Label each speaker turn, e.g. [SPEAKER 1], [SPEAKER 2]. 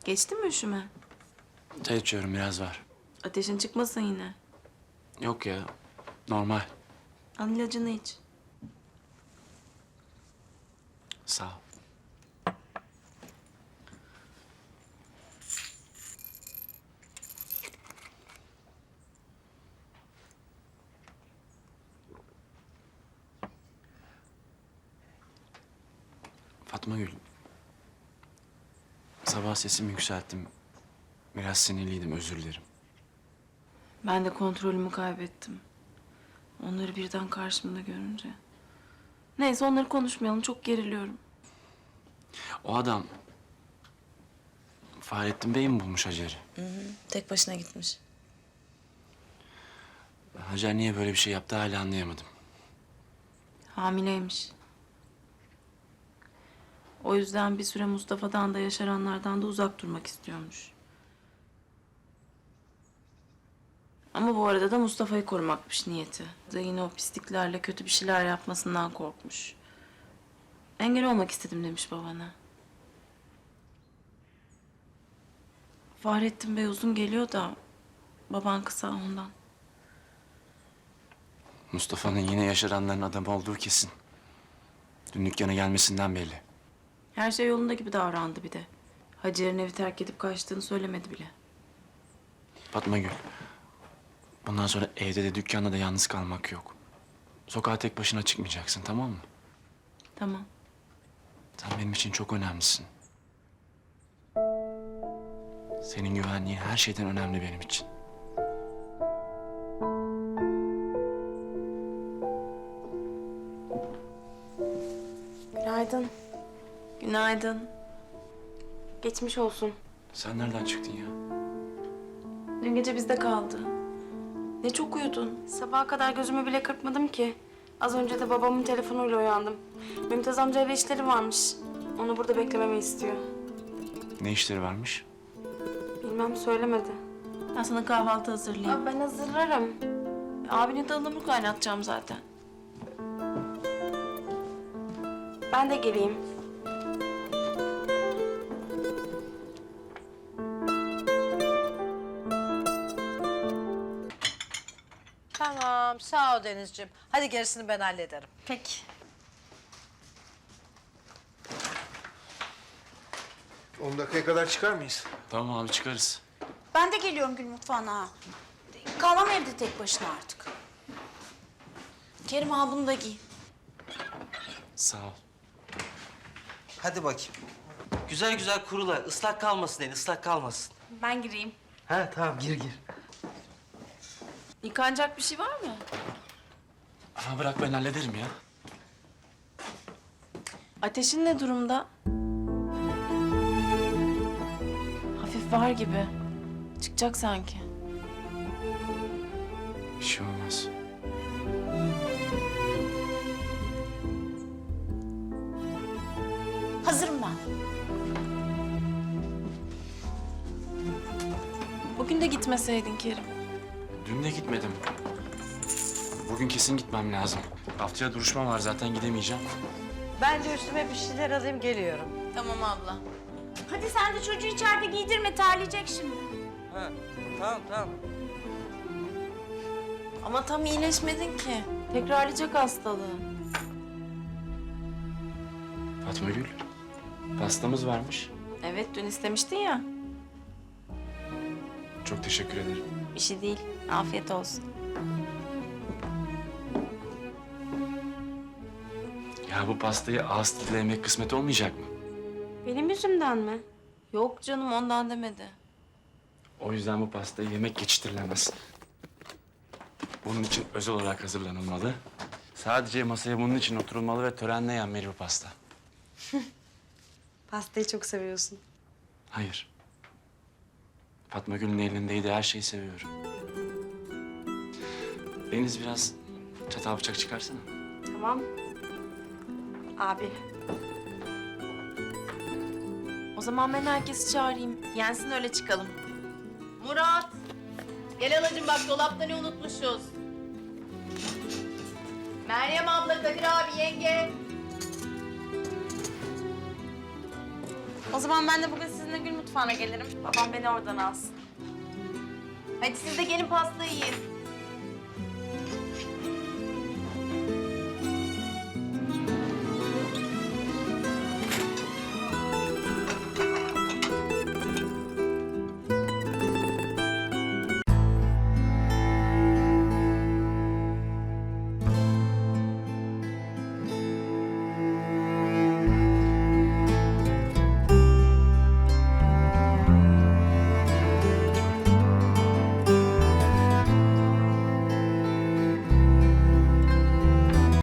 [SPEAKER 1] Geçti mi üşüme?
[SPEAKER 2] Çay içiyorum, biraz var.
[SPEAKER 1] Ateşin çıkmasın yine.
[SPEAKER 2] Yok ya, normal.
[SPEAKER 1] Al ilacını iç.
[SPEAKER 2] Sağ ol. Fatma Gül. Sabah sesimi yükselttim. Biraz sinirliydim, özür dilerim.
[SPEAKER 1] Ben de kontrolümü kaybettim. Onları birden karşımda görünce. Neyse onları konuşmayalım. Çok geriliyorum.
[SPEAKER 2] O adam... Fahrettin Bey mi bulmuş Hacer'i?
[SPEAKER 1] Tek başına gitmiş.
[SPEAKER 2] Hacer niye böyle bir şey yaptı hala anlayamadım.
[SPEAKER 1] Hamileymiş. O yüzden bir süre Mustafa'dan da yaşaranlardan da uzak durmak istiyormuş. Ama bu arada da Mustafa'yı korumakmış niyeti. Da yine o pisliklerle kötü bir şeyler yapmasından korkmuş. Engel olmak istedim demiş babana. Fahrettin Bey uzun geliyor da baban kısa ondan.
[SPEAKER 2] Mustafa'nın yine yaşaranların adamı olduğu kesin. Dün dükkana gelmesinden belli.
[SPEAKER 1] Her şey yolunda gibi davrandı bir de. Hacer'in evi terk edip kaçtığını söylemedi bile.
[SPEAKER 2] Fatma Gül, bundan sonra evde de dükkanda da yalnız kalmak yok. Sokağa tek başına çıkmayacaksın, tamam mı?
[SPEAKER 1] Tamam.
[SPEAKER 2] Sen benim için çok önemlisin. Senin güvenliğin her şeyden önemli benim için.
[SPEAKER 1] Günaydın. Günaydın. Geçmiş olsun.
[SPEAKER 2] Sen nereden çıktın ya?
[SPEAKER 1] Dün gece bizde kaldı. Ne çok uyudun. Sabaha kadar gözümü bile kırpmadım ki. Az önce de babamın telefonuyla uyandım. Mümtaz amcayla işleri varmış. Onu burada beklememi istiyor.
[SPEAKER 2] Ne işleri varmış?
[SPEAKER 1] Bilmem söylemedi. Ben sana kahvaltı hazırlayayım. Ben hazırlarım. Abine de ıhlamur kaynatacağım zaten. Ben de geleyim.
[SPEAKER 3] Tamam, sağ ol Denizciğim. Hadi gerisini ben hallederim.
[SPEAKER 1] Peki.
[SPEAKER 4] 10 dakikaya kadar çıkar mıyız?
[SPEAKER 2] Tamam abi, çıkarız.
[SPEAKER 5] Ben de geliyorum Gül mutfağına. Kalamam evde tek başına artık. Kerim al bunu da giy.
[SPEAKER 2] Sağ ol.
[SPEAKER 6] Hadi bakayım. Güzel güzel kurula. Islak kalmasın elin, ıslak kalmasın.
[SPEAKER 5] Ben gireyim.
[SPEAKER 6] Ha tamam, gir gir.
[SPEAKER 1] Yıkanacak bir şey var mı?
[SPEAKER 2] Ama bırak, ben hallederim ya.
[SPEAKER 1] Ateşin ne durumda? Hafif var gibi. Çıkacak sanki.
[SPEAKER 2] Bir şey olmaz.
[SPEAKER 5] Hazırım ben.
[SPEAKER 1] Bugün de gitmeseydin Kerim.
[SPEAKER 2] Dün de gitmedim. Bugün kesin gitmem lazım. Haftaya duruşma var, zaten gidemeyeceğim.
[SPEAKER 3] Ben de üstüme bir şeyler alayım, geliyorum.
[SPEAKER 1] Tamam abla.
[SPEAKER 5] Hadi sen de çocuğu içeride giydirme, terleyecek şimdi.
[SPEAKER 6] Ha tamam tamam.
[SPEAKER 1] Ama tam iyileşmedin ki. Tekrarlayacak hastalığı.
[SPEAKER 2] Fatma Gül, pastamız varmış.
[SPEAKER 1] Evet, dün istemiştin ya.
[SPEAKER 2] Çok teşekkür ederim.
[SPEAKER 1] Bir şey değil. Afiyet olsun.
[SPEAKER 2] Ya bu pastayı ağız tadıyla yemek kısmet olmayacak mı?
[SPEAKER 1] Benim yüzümden mi? Yok canım, ondan demedi.
[SPEAKER 2] O yüzden bu pastayı yemek geçiştirilemez. Bunun için özel olarak hazırlanılmalı. Sadece masaya bunun için oturulmalı ve törenle yenmeli bu pasta.
[SPEAKER 3] Pastayı çok seviyorsun.
[SPEAKER 2] Hayır. Fatma Gül'ün elindeydi, her şeyi seviyorum. Deniz, biraz çatal bıçak çıkarsana.
[SPEAKER 1] Tamam. Abi. O zaman ben herkesi çağırayım. Yensin, öyle çıkalım. Murat! Gel halacığım, bak dolapta ne unutmuşuz. Meryem abla, Kadir abi, yenge.
[SPEAKER 5] O zaman ben de bugün sizin
[SPEAKER 1] sizinle Gül Mutfağı'na gelirim. Babam beni oradan alsın. Hadi siz de gelin pasta yiyin.